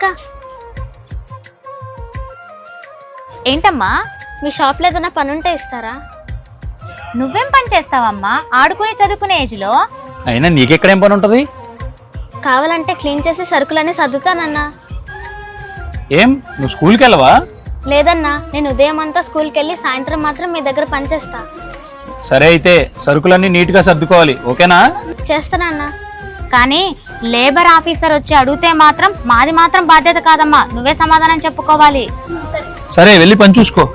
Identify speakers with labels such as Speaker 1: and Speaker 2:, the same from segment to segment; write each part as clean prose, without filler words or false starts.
Speaker 1: ఎక్క. ఏంటమ్మా, మీ షాప్లో ఏదైనా పని ఉంటే ఇస్తారా?
Speaker 2: నువ్వేం పని చేస్తావమ్మా? ఆడుకుని చదువుకునే ఏజ్లో.
Speaker 3: అయినా నీకెక్కడేం పని ఉంటుంది?
Speaker 1: కావాలంటే క్లీన్ చేసి సరుకులన్నీ సర్దుతానన్నా.
Speaker 3: ఏం నువ్వు స్కూల్కి వెళ్ళవా?
Speaker 1: లేదన్నా, నేను ఉదయం అంతా స్కూల్కి వెళ్ళి సాయంత్రం మాత్రం మీ దగ్గర పనిచేస్తా.
Speaker 3: సరే అయితే సరుకులన్నీ నీట్గా సర్దుకోవాలి, ఓకేనా?
Speaker 1: చేస్తానన్నా.
Speaker 2: కానీ లేబర్ ఆఫీసర్ వచ్చి అడిగితే మాత్రం మాది మాత్రం బాధ్యత కాదమ్మా, నువ్వే సమాధానం చెప్పుకోవాలి.
Speaker 3: సరే వెళ్ళి పని చూసుకో.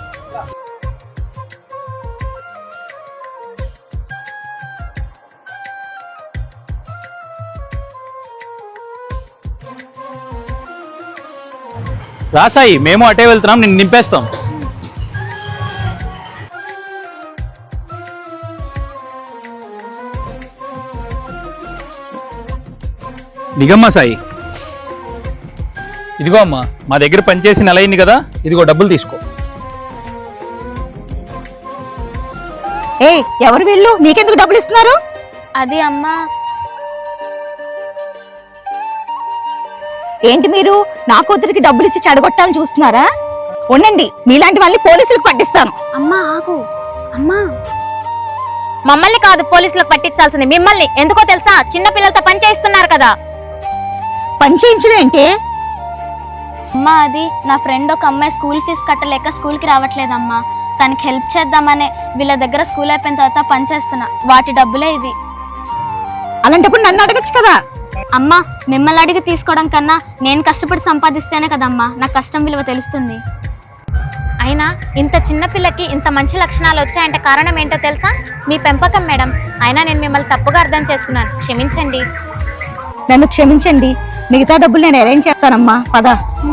Speaker 3: రాసాయి, మేము అటే వెళ్తున్నాం, నిన్ను నింపేస్తాం. దిగమ్మా సాయి. ఇదిగో అమ్మా, మా దగ్గర పనిచేసి నెల అయింది కదా, ఇదిగో డబ్బులు తీసుకో.
Speaker 4: ఎవరు వీళ్ళు? నీకెందుకు డబ్బులు ఇస్తున్నారు?
Speaker 1: అది అమ్మా.
Speaker 4: ఏంటి మీరు నా కూతురికి డబ్బులు ఇచ్చి చెడగొట్టాలని చూస్తున్నారా? ఉండండి, మీలాంటి వాళ్ళని పోలీసులకు పట్టిస్తాను.
Speaker 1: అమ్మా ఆగు. అమ్మా,
Speaker 2: మమ్మల్ని కాదు పోలీసులకు పట్టించాల్సింది మిమ్మల్ని. ఎందుకో తెలుసా? చిన్న పిల్లలతో పని చేయిస్తున్నారు కదా.
Speaker 4: పని చేయించడం ఏంటి?
Speaker 1: అమ్మా అది నా ఫ్రెండ్ ఒక అమ్మాయి స్కూల్ ఫీజు కట్టలేక స్కూల్కి రావట్లేదమ్మా. తనకి హెల్ప్ చేద్దామనే వీళ్ళ దగ్గర స్కూల్ అయిపోయిన తర్వాత పని చేస్తున్నా. వాటి డబ్బులే ఇవి.
Speaker 4: అలాంటప్పుడు నన్ను అడగచ్చు కదా.
Speaker 1: అమ్మా, మిమ్మల్ని అడిగి తీసుకోవడం కన్నా నేను కష్టపడి సంపాదిస్తేనే కదమ్మా నాకు కష్టం విలువ తెలుస్తుంది.
Speaker 2: అయినా ఇంత చిన్న పిల్లకి ఇంత మంచి లక్షణాలు వచ్చాయంటే కారణం ఏంటో తెలుసా? మీ పెంపకం మేడం. అయినా నేను మిమ్మల్ని తప్పుగా అర్థం చేసుకున్నాను, క్షమించండి.
Speaker 4: నన్ను క్షమించండి, మిగతా డబ్బులు నేను అరేంజ్ చేస్తానమ్మా. పద.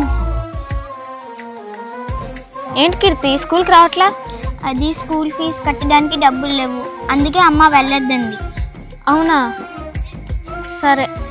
Speaker 1: ఏంటి కీర్తి, స్కూల్కి రావట్లా? అది స్కూల్ ఫీజు కట్టడానికి డబ్బులు లేవు, అందుకే అమ్మ వెళ్ళొద్దండి. అవునా, సరే.